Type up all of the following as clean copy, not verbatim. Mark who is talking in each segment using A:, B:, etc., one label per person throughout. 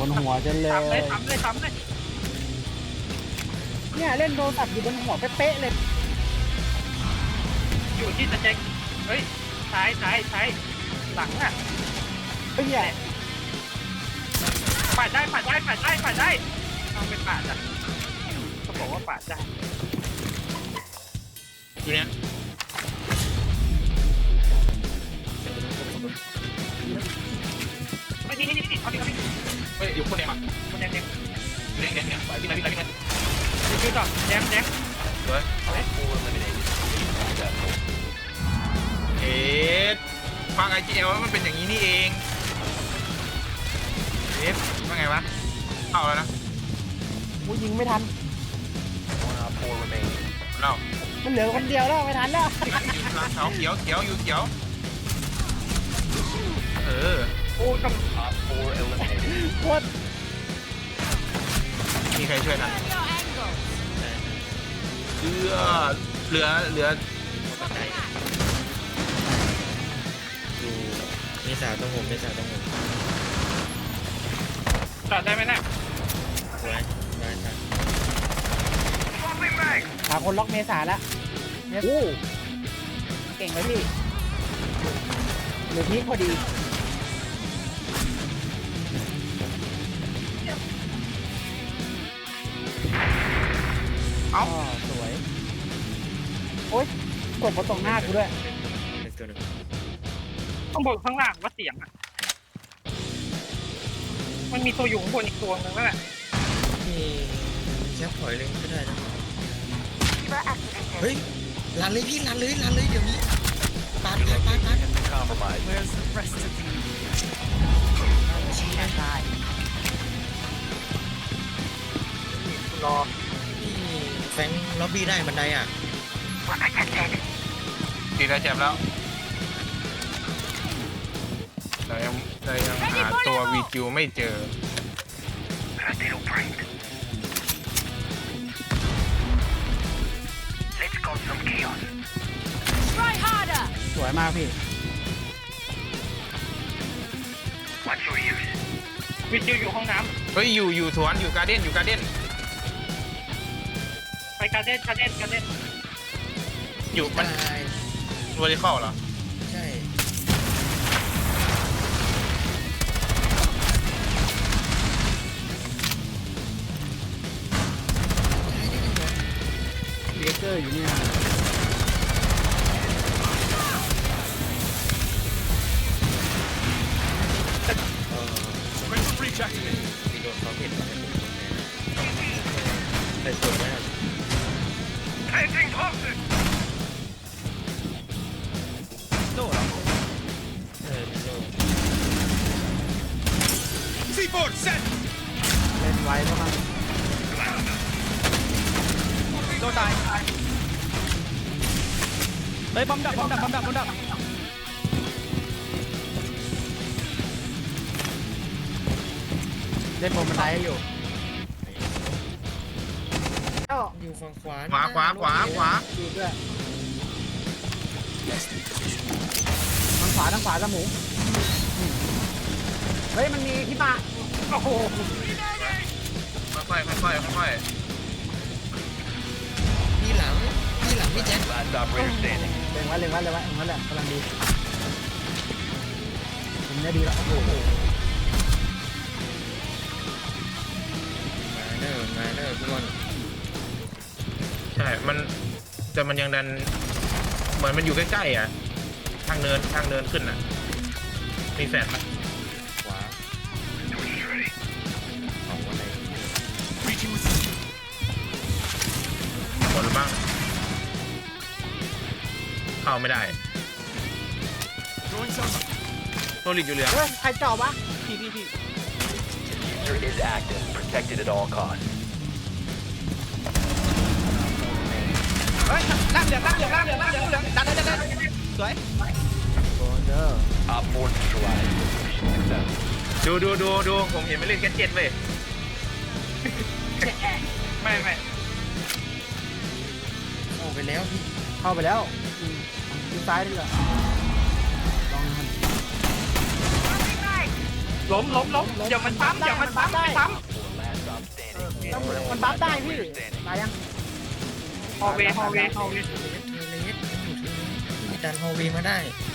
A: หัวจนเลย
B: ทำเลย
A: เนี่ยเล่นโทรศัพท์อยู่บนหัวเป๊ะๆเลย
B: อยู่ที่สเต็กเฮ้ยซ้ายหลังอ่ะ
A: เฮ้ยเนี่ย
B: ปาดได้เอาไปปาดอ่ะเขาบอกว่าปาดได้
C: อยู่เนี้ย
B: ไม่นี่เอาดิ
C: เฮ้ยอยู่คนเดียวอ่ะ
B: คนแดง
C: อยู่เนี่ยไปพี่ไหน
B: ดูต่อแดง
C: สวยเอ๊ะฟังไอจีเอลมันเป็นอย่างนี้นี่เองเอ๊ะว่าไงวะเข้าแล้วนะ
A: กูยิงไม่ทัน
C: เรา
A: มันเหลือคนเดียวแล้วไม่ทันแล้ว
C: เขาเขียวอยู่เขียว
B: โอ้กับ
A: โคตร
C: มีใครช่วยทันเหลือ
D: อยู่มีสาวต้องผม
B: จอดได้ไหมเนี่ย
D: ไว้ครับ
A: หาคนล็อกเมษาแล้วเนี่ยเก่งเลยพี่เหลือพีคพอดี
C: เอ้า
A: สวยโอ๊ยกดมาตรงหน้ากูด้วย
D: เป็นตัวหนึ่ง
B: ต้องบอกข้างล่างว่าเสียงอ่ะมันมีตัวอยู่ข้างบนอีกตัวนึงนั่นแหละ
D: นี่แค่ปล่อยเลยก็ได้นะเฮ้ยลันเลยพี่ลันเลยเดี๋ยวนี้ปาด
B: รอ
D: นี่แฟงล็อบบี้ได้บันไดอ่ะ
C: ตีได้เจ็บแล้วเรายังหาตัววีจิวไม่เจอ
A: สวยมากพี่
B: วิจิวอยู่ห้องน้
C: เฮ้ยอยู่สวนอยู่การ์เด้น
B: ำไปการเด้น
C: อยู่มัน
D: ได้
C: วอลิคอลเหรอ
D: ใช่ได้
A: เลเกอร์อยู่เนี่ย
D: มีโดนเขาเห็นแต่สวยมากโซ่เหรอโซ่
A: เล่นไว้เพราะมันโดนตายเฮ้ยบอมดับเล่นบนบันไดให้อยู่
D: อยู่ฝั่งขวา
C: ขวา
A: อยู่ด้วยทางขวาสมูเฮ้ยมันมีที่มาโอ้โห
C: ค่อยๆ
D: พี่หลังพี่แจ็ค
A: เล็งไว้แหละกำลังดีผมเนี่ยดีแล้วโอ้โห
D: มาเนอร์ทุกคน
C: ใช่แต่มันยังดันเหมือนมันอยู่ใกล้ๆอ่ะทางเนินขึ้นอ่ะมีแฟลชไหม
D: ขวาของอะไร
C: หมดหรือบ้างเข้าไม่ได้โซลิดอยู่เหลือง
A: เฮ้ยใครเจาะวะ
B: พี่
E: is active, protected at all costs.
B: เฮ้ยล่างเหลืองดันสวย
A: โอ้เด้อ
E: Op 4 neutralized. Mission success.
C: ดูผมเห็นมันเล่นแค่7เว้ย
B: ไม่
D: เข้าไปแล้วพี่
A: เข้าไปแล้วดูซ้ายดีกว่าลองมัน
B: ล้มเดี๋ยวมันปั๊มไม่ปั๊ม
E: 4 last stop standing.
A: มันบัฟได้พี่ตายยัง
B: ฮอลเวย์
D: เทเลสมันอยู่เทเลสพี่ดันฮอลเวย์มาได้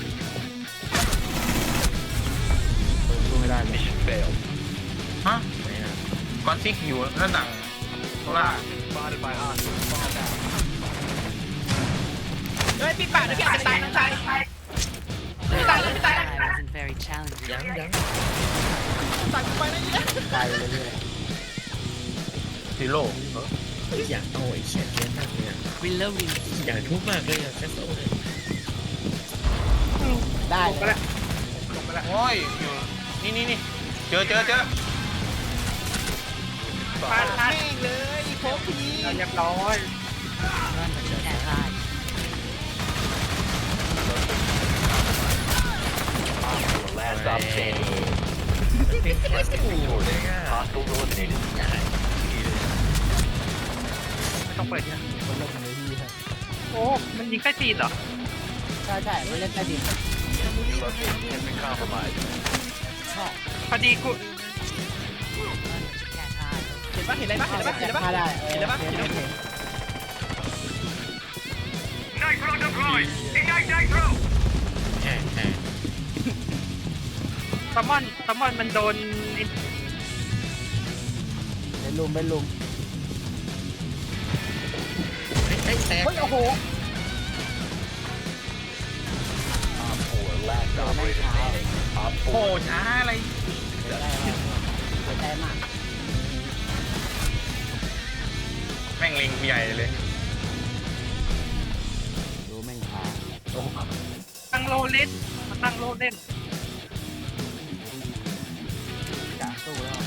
A: สู้ไม่ได้เลย
E: Mission failed.
C: ฮะก้อนซิกอยู่หน้าต่างโซล่า
E: Spotted by hostiles. Fall back.
B: เฮ้ยพี่ป่าเดี๋ยวพี่อาจจะตายนะตายตายตาย
F: wasn't very challenging.
D: ยัง
B: ตัดไปนะนี่นะ
A: ตายไปเรื่อย
C: ซีโร่
D: อยากเอาไอ้เขียนเขียนมากเลยอะ
F: Reloading.
D: อยากทุบมากเลยอะแคสโซ่เลย
A: ๆได้
B: ลงไปแล้ว
C: โอ้ยอยู่นี่เจอ
B: พาแม่งเลยโคกพีเรียบร้อย
F: Can't hide.
E: Last stop standing.
D: เป็นแคสโซ่เลยอะ
E: Hostiles eliminated.
B: ไม่ต้องเปิดนะ
A: คนเล่นในที่ครับ
B: โอ้มันยิงใต้ตีนเหรอ
A: ใช่ไม่เล่นใต้ดิน
E: Your location has been compromised.
B: พอดีกู
F: Can't hide.
B: เห็นปะเห็นอะไรปะเห็นอะไรปะเห็นอะไรปะ
A: ฆ่าได้
B: เห็นอะไรปะ
A: เห็นเห็น
D: แค่
B: ซัมมอนมันโดน
A: เป็นลุม
D: ไอ้แตก
A: เฮ้ยโอ้โห
E: Op 4, last operator standing. Op
C: โอ้
E: 4.
C: ช้าอะไร
A: ได้มาเสียใจมาก
C: แม่งเล็งใหญ่เลย
A: ดูแม่งพา
B: ตั้งโลเล่นมาตั้งโลเล่น
A: กะสู้แล้ว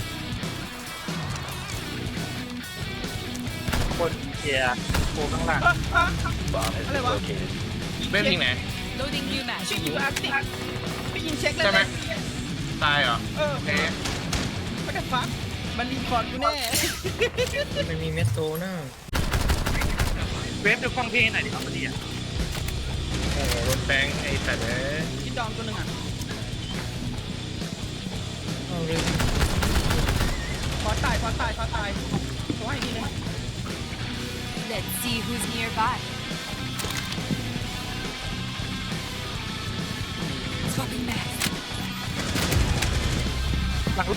B: คนเชียร์โคข้างหลัง
E: Bomb has been located.
C: เว็บยิงไหน
F: Loading new match.
B: ชื่ออยู่อาร์ติไม่ยิงเช็คเลย
C: ใช่ไหมตายเหรอ
B: เออ
C: เอ๊ะ
B: ไม่ได้ฟักมันรีพอร์ตกูแน่
D: มันมีเมสโซน่า
B: เวฟดูฟังเพลงหน่อยดิครับพอดีอ่ะ
C: โอ้โหโดนแบงค์ไอ้สัตว์เอ้ย
B: คิดดองตัวหนึ่งอ่ะ
D: เอาเลย
B: ขอตายตัวให้ดีเลย
F: Let's see who's nearby. Swapping back.
B: หลัง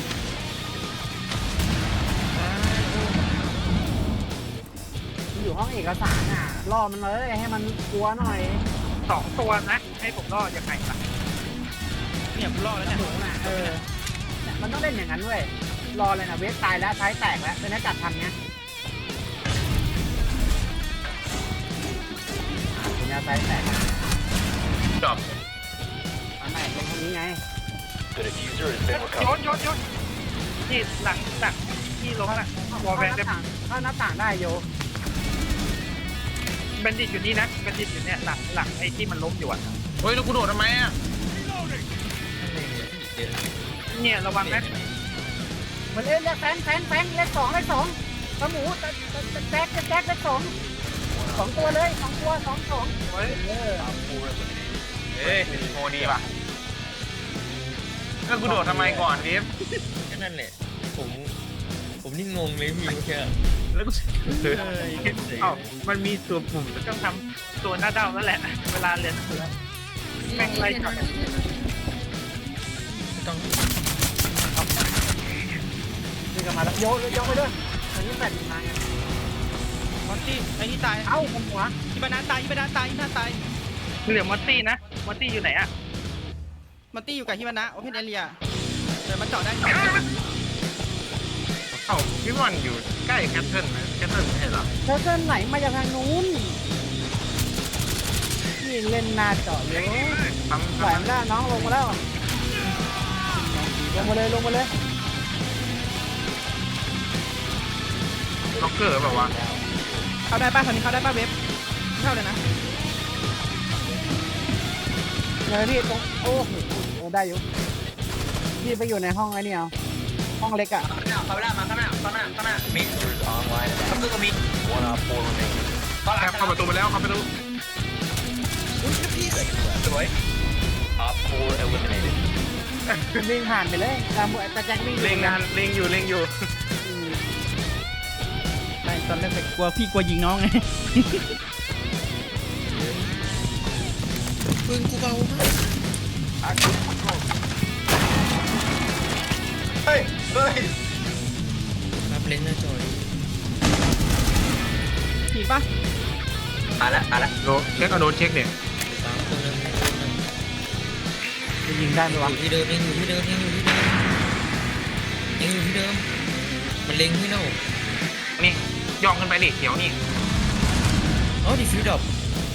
A: มันอยู่ห้องเอกสารอ่ะล่อมันเลยให้มันกลัวหน่อย
B: 2 ตัวนะ ให้ผมรอดยังไงล่ะเนี่ยผมรอดแล้วเนี่ย
A: หนูน่ะเนี่ยมันต้องเล่นอย่างนั้นเว้ยรอเลยนะเวสตายแล้วท้ายแตกแล้วเป็นนักจัดทันเนี้ยคุณยาท้ายแตก
C: จบ
A: อันไหนตรงนี้ไง
E: The diffuser has been
B: โย
E: recovered.
B: นนี่หลังที่ลงน่ะวอลแวนเด
A: เข้าหน้าต่างได้โย
B: บันดิตอยู่นี่นะบันดิตอยู่เนี่ยหลังไอ้ที่มันล้มอยู่อ่ะ
C: เฮ้ยแล้วกูโดดทำไมอ่ะ
B: เนี่ยระวังนะ
A: มันเล่นเลขแฟนเลขสองกระหมูแจ็คเลขสองตัวเลย2 ตัว2
B: โอ้ย
E: Op 4 eliminated.
C: เอ้ยโมดีป่ะแล้วกูโดดทำไมก่อนดิฟ
D: แค่นั้นแหละผมนี่งงเลยพี่เมื่อกี้
C: แล้วกู
B: เอ้ามันมีตัวปุ่มต้องทำตัวหน้าเด้าแล้วแหละเวลาเรียนแม่งไล่จับ
D: ต้อง
A: นี่ก็มาแล้วโยไปเลยอันนี้แฟนมาไง
B: มอนตี้ไอ้นี่ตาย
A: เอ้าผมหัว
B: อีบานาตายเหลือมอนตี้นะมอนตี้อยู่ไหนอะมอนตี้อยู่กับฮิบานะโอเพนเอเรียเดี๋ยวมันเจาะได้
C: เอ้าพี่บอลอยู่ใกล้แคทเทิลนะแคทเทิลไม่ใช่เหรอ
A: เธอเส้นไหนมาจากทางนู้นนี่เล่นหน้าเจาะเยอะ
C: ปั๊ม
A: ไหวไม่ได้น้องลงมาแล้วลงมาเลย
C: ล็อกเกอร์แบบว่าวะ
B: เข้าได้ป่ะตอนนี้เข้าได้ป่ะเว็บเข้าเลยนะ
A: เลยพี่ตรงโอ้โหได้อยู่พี่ไปอยู่ในห้องไอ้นี่เอาห้องเล็กอ่ะ
B: เข้าได้มาข้างหน้า
E: Diffuser is online and active. One Op 4 remaining.
C: เข้าประตูไปแล้วเข้าประตู
E: Seconds left. Op 4 eliminated.
A: วิ่งผ่านไปเลยแต่แจ็ควิ่ง
C: เล็งงานเล็งอยู่
B: ไม่ตอนแรกไปกลัวพี่กลัวยิงน้องไง
D: ปืนกูเบามาก
G: เฮ้ย
D: รับเล้งหน้าจอย
B: ผิดปะ
G: มาละ
C: โดนเช็คเอาโดนเช็คเนี่ย
D: ตามตัวนึง
A: จะยิงได้ไหม
D: อ
A: วะ
D: ยู่ที่เดิมยังอยู่ที่เดิมมันเล็งที่เน่า
C: นี่ย่องขึ้นไปดิเขียวนี่
D: อ๋อดิฟิวดับ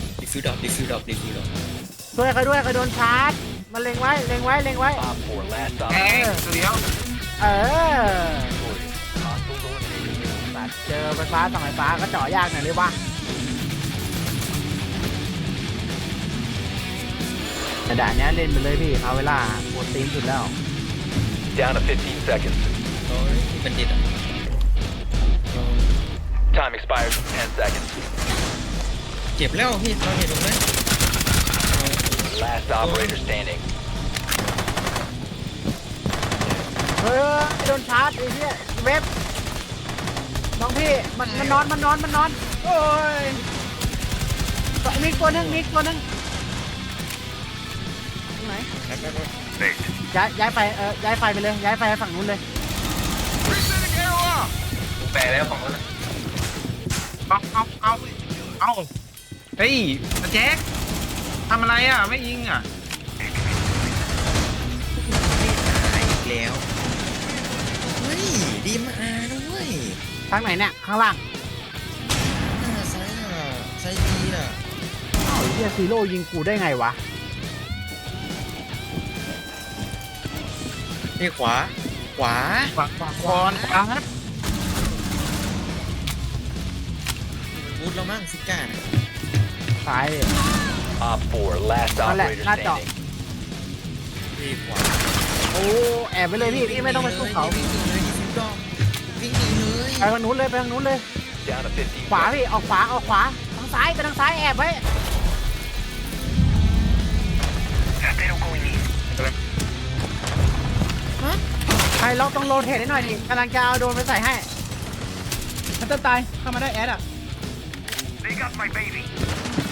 A: ช่วยเขาด้วยเขาโดนชาร์จมันเล็งไว้
E: Op 4 last stop.
C: แอ้เดี๋ยว
A: เออ
E: Hostile eliminated.
A: ตัดเจอไฟฟ้าส่องไฟฟ้าก็เจาะยากหน่อยเลยว่าแต่ด่านนี้เล่นไปเลยพี่เอาเวลาโหดตีนสุดแล้ว
E: Down to 15 seconds.
D: อ๋อมันดิดอ่ะ
E: Time expires in 10 seconds.
D: เจ็บแล้วพี่เราเห็นตรงนั้น
E: Last operator standing.
A: เฮ้ยโดนชาร์จไอ้เหี้ยเว็บน้องพี่มันนอนโอ้ยมีตัวหนึงตรงไหนย้ายไฟย้ายไฟไปเลยย้ายไฟไปฝั่งนู้นเลย
G: แปลแล้วของมัน
C: เอาเฮ้ยแจ็คทำอะไรอ่ะไม่ยิงอ่ะ
D: อีกแล้วเฮ้ยดีมาด้วย
A: ทางไหนเนี่ยข้างล่าง
D: ไซดีอ่ะ
A: อ้าวไอ้เหี้ยซีโร่ยิงกูได้ไงวะ
D: นี่ขวา
C: ขวาขวา
D: บูทเรามั่งซิก้า
A: ซ้าย
E: Op 4 last
A: Wala,
E: operator
A: not
E: standing.
D: พี่ขวา
A: โอ้แอบไปเลยพี่ไม่ต้องไปสู้เขา
D: วิ่งหนีเลยวิ่งหนีเลย
A: ไปทางนู้นเลย
E: Down to 15
A: ขวา
E: seconds.
A: พี่ออกขวาทางซ้ายแอบไว้ใครเราต้องโรเทตให้หน่อยดิกำลังจะเอาโดรนไปใส่ให้
B: มันจะตายเข้ามาได้แอดอ่ะ